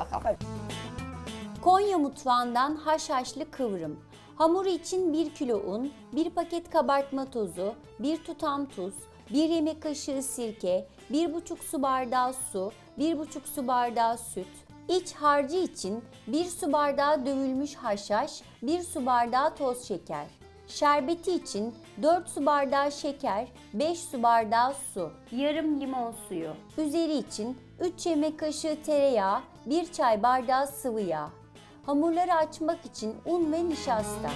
bakalım. Konya mutfağından haşhaşlı kıvrım. Hamuru için 1 kilo un, 1 paket kabartma tozu, 1 tutam tuz, 1 yemek kaşığı sirke, 1,5 su bardağı su, 1,5 su bardağı süt. İç harcı için 1 su bardağı dövülmüş haşhaş, 1 su bardağı toz şeker. Şerbeti için 4 su bardağı şeker, 5 su bardağı su, yarım limon suyu. Üzeri için 3 yemek kaşığı tereyağı, 1 çay bardağı sıvı yağ. Hamurları açmak için un ve nişasta.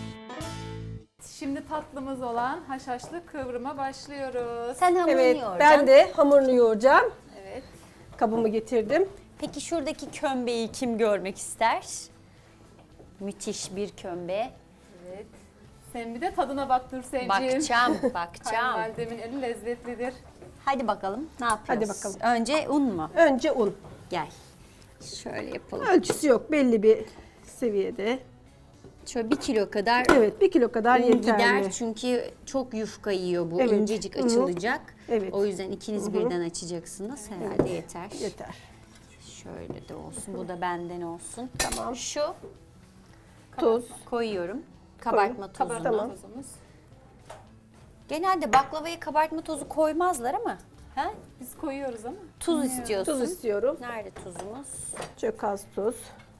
Şimdi tatlımız olan haşhaşlı kıvrıma başlıyoruz. Sen hamurunu Evet, yoğuracaksın. ben de hamurunu yoğuracağım. Evet. Kabımı getirdim. Peki şuradaki kömbeyi kim görmek ister? Müthiş bir kömbe. Evet. Sen bir de tadına bak Nurselciğim. Bakacağım, bakacağım. Kayınvalidemin eli lezzetlidir. Hadi bakalım ne yapıyoruz? Hadi bakalım. Önce un mu? Önce un. Gel. Şöyle yapalım. Ölçüsü yok, belli bir seviyede. Şöyle 1 kilo kadar Evet, 1 kilo kadar un yeterli. gider çünkü çok yufka yiyor bu. Evet. İncecik Hı hı. açılacak. Evet. O yüzden ikiniz birden açacaksınız. Herhalde yeter. Yeter. Şöyle de olsun. Bu da benden olsun. Tamam. Şu Tuz. koyuyorum. Kabartma tozunu. Kabartma Tamam. tozumuz. Genelde baklavaya kabartma tozu koymazlar ama. Ha? Biz koyuyoruz ama. Tuz istiyorsun. Tuz istiyorum. Nerede tuzumuz? Çok az tuz.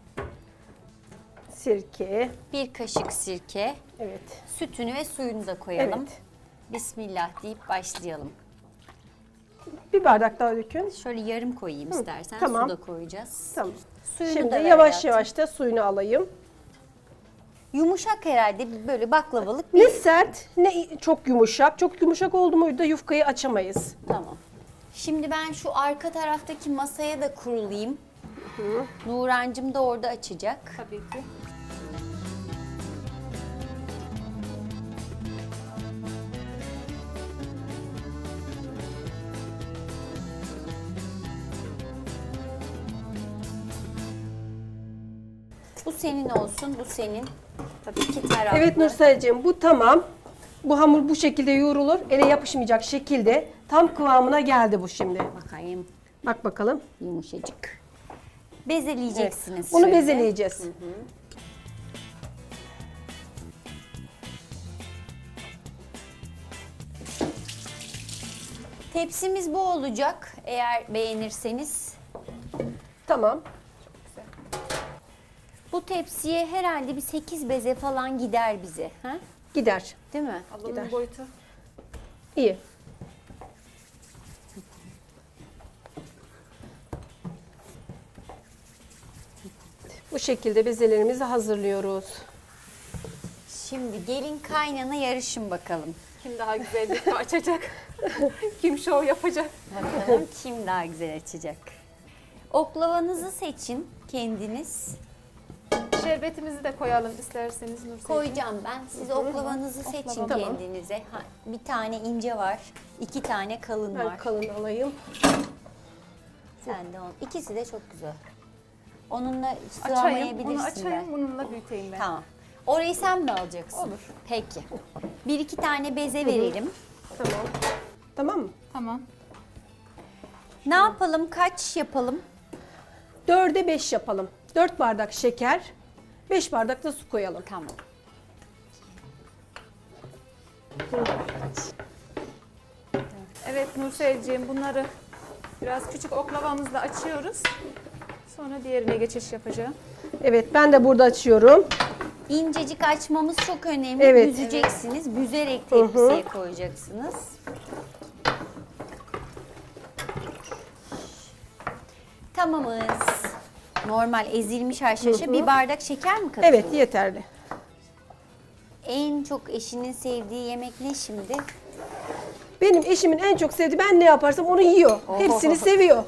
Sirke. 1 kaşık sirke. Evet. Sütünü ve suyunu da koyalım. Evet. Bismillah deyip başlayalım. Bir bardak daha dökün. Şöyle yarım koyayım istersen. tamam. Su da koyacağız. Tamam. Suyunu Şimdi da ver yavaş hayatım. yavaş da suyunu alayım. Yumuşak herhalde böyle baklavalık Ne bir... sert ne çok yumuşak. Çok yumuşak oldu muydu da yufkayı açamayız. Tamam. Şimdi ben şu arka taraftaki masaya da kurulayım. Nurancığım da orada açacak. Tabii ki. Bu senin olsun, bu senin. Tabii iki taraflı. Evet Nurselciğim, bu tamam. Bu hamur bu şekilde yoğrulur. Ele yapışmayacak şekilde tam kıvamına geldi bu şimdi. Bakayım, Bak bakalım. yumuşacık. Bezeleyeceksiniz. Bunu şöyle. bezeleyeceğiz. Tepsimiz bu olacak eğer beğenirseniz. Tamam. Bu tepsiye herhalde bir 8 beze falan gider bize. Ha? Gider. Değil mi? Ablamın Gider. boyutu. İyi. Bu şekilde bezelerimizi hazırlıyoruz. Şimdi gelin kaynana yarışın bakalım. Kim daha güzel yufka açacak? Kim şov yapacak? Bakalım kim daha güzel açacak. Oklavanızı seçin kendiniz. Şerbetimizi de koyalım isterseniz Nurselciğim. Koyacağım ben. Siz oklavanızı seçin Tamam. kendinize. Ha, bir tane ince var, 2 tane kalın Ben var. kalın alayım. Sen de on. İkisi de çok güzel. Onunla Açayım, sığamayabilirsin onu açayım, ben. bununla büyüteyim ben. Tamam. Orayı sen mi alacaksın? Olur. Peki. 1-2 tane beze verelim. Tamam. Tamam mı? Tamam. Ne yapalım? Kaç yapalım? 4'e 5 yapalım. 4 bardak şeker, 5 bardak da su koyalım. Tamam. Evet Nurselciğim, bunları biraz küçük oklavamızla açıyoruz. Sonra diğerine geçiş yapacağım. Evet, ben de burada açıyorum. İncecik açmamız çok önemli. Evet. Büzeceksiniz. Büzerek tepsiye koyacaksınız. Tamamız. Normal ezilmiş haşhaşa bir bardak şeker mi katıyorsun? Evet, yeterli. En çok eşinin sevdiği yemek ne şimdi? Benim eşimin en çok sevdiği, ben ne yaparsam onu yiyor. Hepsini seviyor.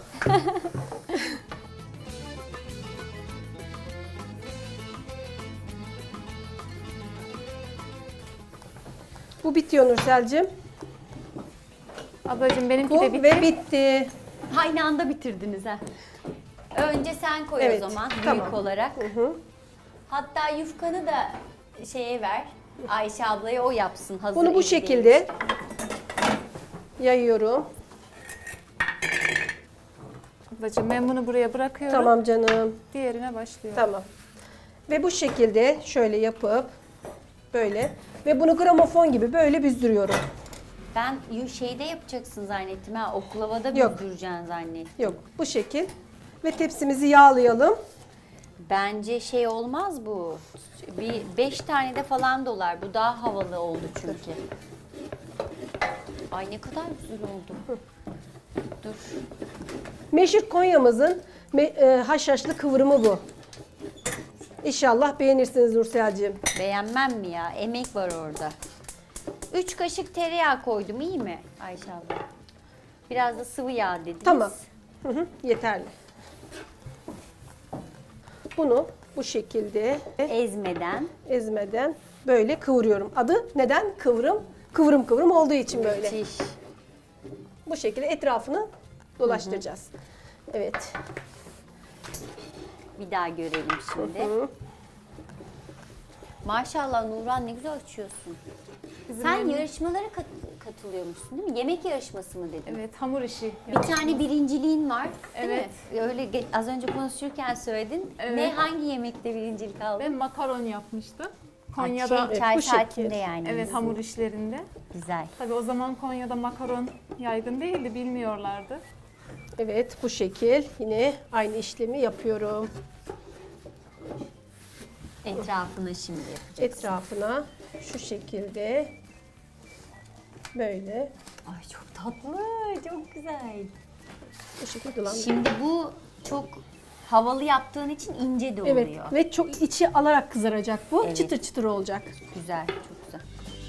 Bu bitiyor Nursel'cim. Ablacığım benimki Bu de bitti. ve bitti. Aynı anda bitirdiniz ha. Önce sen koy Evet, o zaman büyük tamam. olarak. Hatta yufkanı da şeye ver. Ayşe ablaya o yapsın. Hazır Bunu bu eli şekilde değmiş. yayıyorum. Ablacığım ben bunu buraya bırakıyorum. Tamam canım. Diğerine başlıyorum. Tamam. Ve bu şekilde şöyle yapıp böyle ve bunu gramofon gibi böyle büzdürüyorum. Ben şeyde yapacaksın zannettim ha. Oklavada Yok. büzdüreceksin zannettim. Yok, bu şekil. Ve tepsimizi yağlayalım. Bence şey olmaz bu. Bir 5 tane de falan dolar. Bu daha havalı oldu çünkü. Ay ne kadar güzel oldu. Dur. Meşhur Konya'mızın haşhaşlı kıvrımı bu. İnşallah beğenirsiniz Nursel'cim. Beğenmem mi ya? Emek var orada. 3 kaşık tereyağı koydum, iyi mi Ayşe abla? Biraz da sıvı yağ dediniz. Tamam. Hı hı, yeterli. Bunu bu şekilde Ezmeden. böyle kıvırıyorum. Adı neden? Kıvrım. Kıvrım kıvrım olduğu için böyle. Müthiş. Bu şekilde etrafını dolaştıracağız. Evet. Bir daha görelim şimdi. Hı. Maşallah Nurhan, ne güzel açıyorsun. Sen yarışmalara katılıyormuşsun değil mi? Yemek yarışması mı dedin? Evet, hamur işi. Bir tane birinciliğin var değil Evet. mi? Öyle az önce konuşurken söyledin. Evet. Ne, hangi yemekte birincilik aldın? Ben makaron yapmıştım. Ay, Konya'da çay bu saatinde şekil. yani. evet hamur işlerinde. Güzel. Tabii o zaman Konya'da makaron yaygın değildi, bilmiyorlardı. Evet, bu şekil yine aynı işlemi yapıyorum. Etrafını şimdi yapacaksın. Etrafına şu şekilde böyle Ay çok tatlı, çok güzel. bu şekilde dolandırıyorum. Şimdi bu çok havalı yaptığın için ince de oluyor. Evet ve çok içi alarak kızaracak bu. Evet. Çıtır çıtır olacak. Güzel, çok güzel.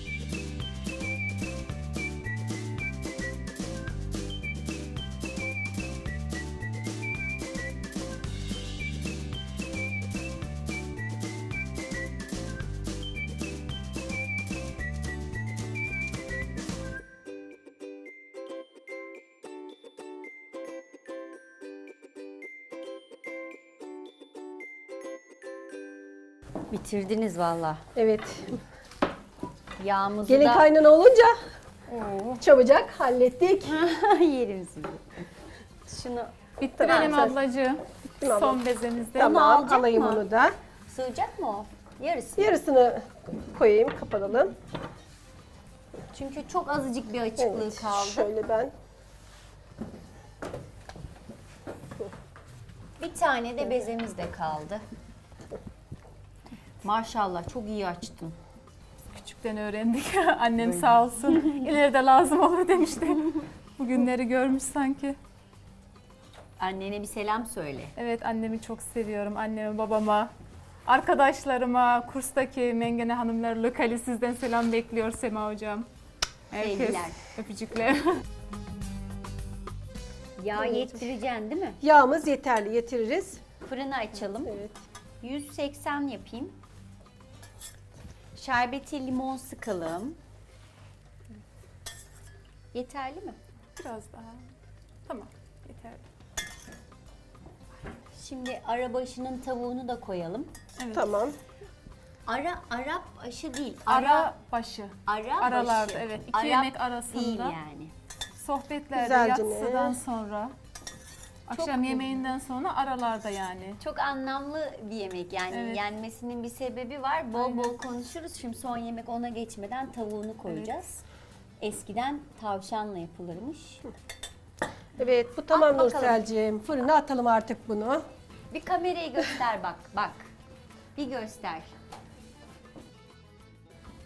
Bitirdiniz valla. Evet. Yağımızı Gelin da kaynana olunca çabucak hallettik. yerim sizi. Şunu Bitirelim Tamam, ablacığım. mi abla? Son bezemizde. Tamam, alacak alayım mı? onu da. sığacak mı o? Yarısı. Yarısını koyayım, kapatalım. Çünkü çok azıcık bir açıklığı Evet, kaldı. şöyle ben. Bir tane de bezemiz de kaldı. Maşallah çok iyi açtın. Küçükten öğrendik. Annem sağ olsun. İleride lazım olur demişti. Bugünleri görmüş sanki. Annene bir selam söyle. Evet, annemi çok seviyorum. Anneme, babama, arkadaşlarıma, kurstaki Mengene Hanımlar Lokali sizden selam bekliyor Sema Hocam. Herkes Sevgiler. öpücükler. Yağ yettireceksin değil mi? Yağımız yeterli, yetiririz. Fırını açalım. Evet. 180 yapayım. Şerbeti limon sıkalım. Yeterli mi? Biraz daha. Tamam, yeterli. Şimdi arabaşının tavuğunu da koyalım. Evet. Tamam. Arap aşı değil. Ara başı. Ara Aralarda, başı. evet. İki Arap yemek arasında. değil yani. Sohbetlerde, Güzelce ne? yatsıdan sonra, akşam Çok- yemeğinden sonra aralarda yani. Çok anlamlı bir yemek yani Evet. yenmesinin bir sebebi var. Bol bol konuşuruz. Şimdi son yemek ona geçmeden tavuğunu koyacağız. Eskiden tavşanla yapılırmış. Evet, bu tamam bakalım. Nursel'cim. Fırına atalım artık bunu. Bir kamerayı göster bak. Bir göster.